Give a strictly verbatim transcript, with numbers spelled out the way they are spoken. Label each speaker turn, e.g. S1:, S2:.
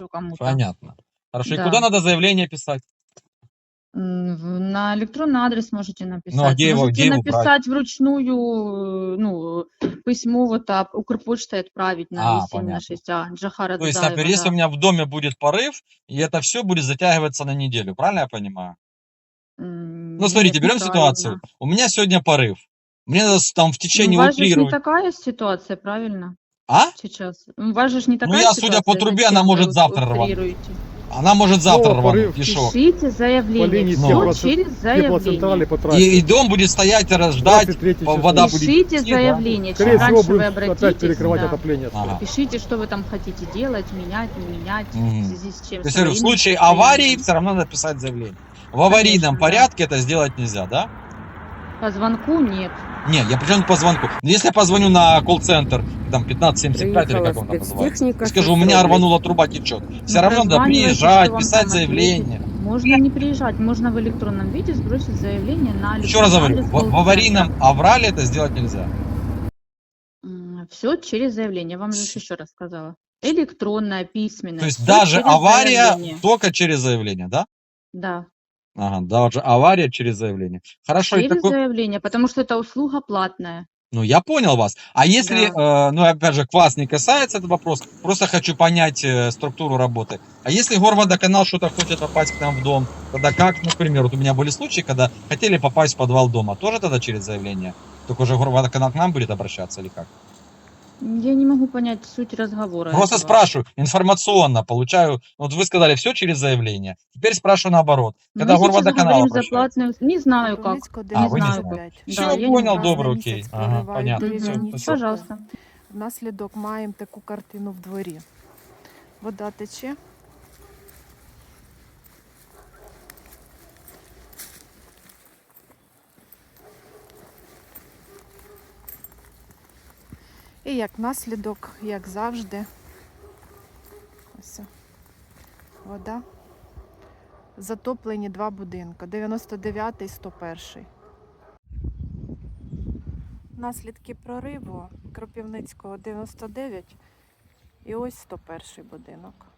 S1: сброшу кому-то.
S2: Понятно. Хорошо. И
S1: Да.
S2: куда надо заявление писать?
S1: М, в- На электронный адрес можете написать.
S2: Ну, а где его,
S1: Можете
S2: где его брать?
S1: написать вручную, э, ну, письмо вот так, Укрпочтой отправить на
S2: А,
S1: И семь на
S2: понятно.
S1: шесть А, Джахара
S2: То есть,
S1: Дудаева,
S2: например, если у
S1: да.
S2: меня в доме будет порыв, и это все будет затягиваться на неделю, правильно я понимаю?
S1: М,
S2: Ну, смотрите,
S1: Нет,
S2: берем ситуацию.
S1: неправильно.
S2: У меня сегодня порыв. Мне надо с- там в
S1: Ну, у
S2: течение
S1: вас же ж не
S2: утрировать.
S1: такая ситуация, правильно?
S2: А?
S1: Сейчас. У вас же ж не
S2: Ну,
S1: такая
S2: я, судя по
S1: ситуация,
S2: трубе, она
S1: зачем вы
S2: может
S1: ут-
S2: завтра рвануть.
S1: утрируете?
S2: Она может
S3: Снова
S2: завтра рвануть.
S3: порыв.
S2: И шо?
S1: Пишите
S3: По
S1: заявление,
S3: линии
S1: все
S2: Ну.
S3: теплоцен-
S1: через
S3: теплоцентрали
S1: заявление.
S3: по
S2: И,
S3: трассе.
S2: и дом будет стоять, ждать,
S3: двадцать третье число.
S2: вода будет
S1: Пишите
S2: идти, да?
S1: заявление, чем
S3: Скорее всего,
S1: раньше вы
S3: будут опять
S1: обратитесь,
S3: перекрывать
S1: да.
S3: отопление.
S2: Ага.
S1: Пишите, что вы там хотите делать, менять, не менять, в
S2: Мгм.
S1: связи с чем.
S2: То
S1: с
S2: есть, я говорю, в
S1: аварийным
S2: случае аварии
S1: состоянием.
S2: все равно надо писать заявление. В аварийном
S1: Конечно, да.
S2: порядке это сделать нельзя, да?
S1: По звонку нет.
S2: Не, я причем по звонку. Но если я позвоню на колл-центр, там пятнадцать семьдесят пять или
S4: Приїхала
S2: как он там называется,
S4: спецтехніка,
S2: и скажу,
S4: щось
S2: у меня
S4: роблять.
S2: рванула труба, течет. Все
S1: Ну,
S2: равно надо
S1: прозванивайте, что
S2: приезжать,
S1: вам
S2: писать
S1: там
S2: заявление.
S1: ответить. Можно не приезжать, можно в электронном виде сбросить заявление на
S2: Еще раз
S1: электронный
S2: говорю,
S1: адрес
S2: в, в
S1: колл-центра.
S2: аварийном аврале это сделать нельзя.
S1: Все через заявление. Я вам же еще раз сказала. Электронное, письменное.
S2: То есть
S1: всё
S2: даже
S1: через
S2: авария
S1: заявление.
S2: только через заявление, да?
S1: Да,
S2: Ага, даже авария через заявление. Хорошо, и
S1: через
S2: такой...
S1: заявление, потому что это услуга платная.
S2: Ну, я понял вас. А если,
S1: Да.
S2: э, ну, опять же, к вас не касается этот вопрос, просто хочу понять э, структуру работы. А если Горводоканал что-то хочет попасть к нам в дом, тогда как, например, вот у меня были случаи, когда хотели попасть в подвал дома, тоже тогда через заявление? Только уже Горводоканал к нам будет обращаться или как?
S1: Я не могу понять суть разговора
S2: Просто
S1: этого.
S2: спрашиваю, информационно получаю, вот вы сказали, все через заявление. Теперь спрашиваю наоборот.
S1: Мы
S2: Когда
S1: сейчас
S2: Горводоканал
S1: говорим за
S2: обращается?
S1: платную... Не знаю как.
S5: Кропивницького
S2: А,
S1: Не
S2: вы не
S1: знаю
S2: знаете.
S1: как.
S2: Все,
S1: Да, я не
S2: понял,
S1: могу.
S2: добре,
S5: на
S2: окей.
S5: місяць
S2: Ага,
S5: проривають
S2: понятно.
S5: різні
S2: Все,
S5: топи.
S2: спасибо.
S1: Пожалуйста.
S5: Внаслідок маємо таку картину в дворі. Вода тече. І як наслідок, як завжди, ось вода. Затоплені два будинки, дев'яносто дев'ятий, сто перший. Наслідки прориву Кропивницького дев'яносто дев'ять і ось сто перший будинок.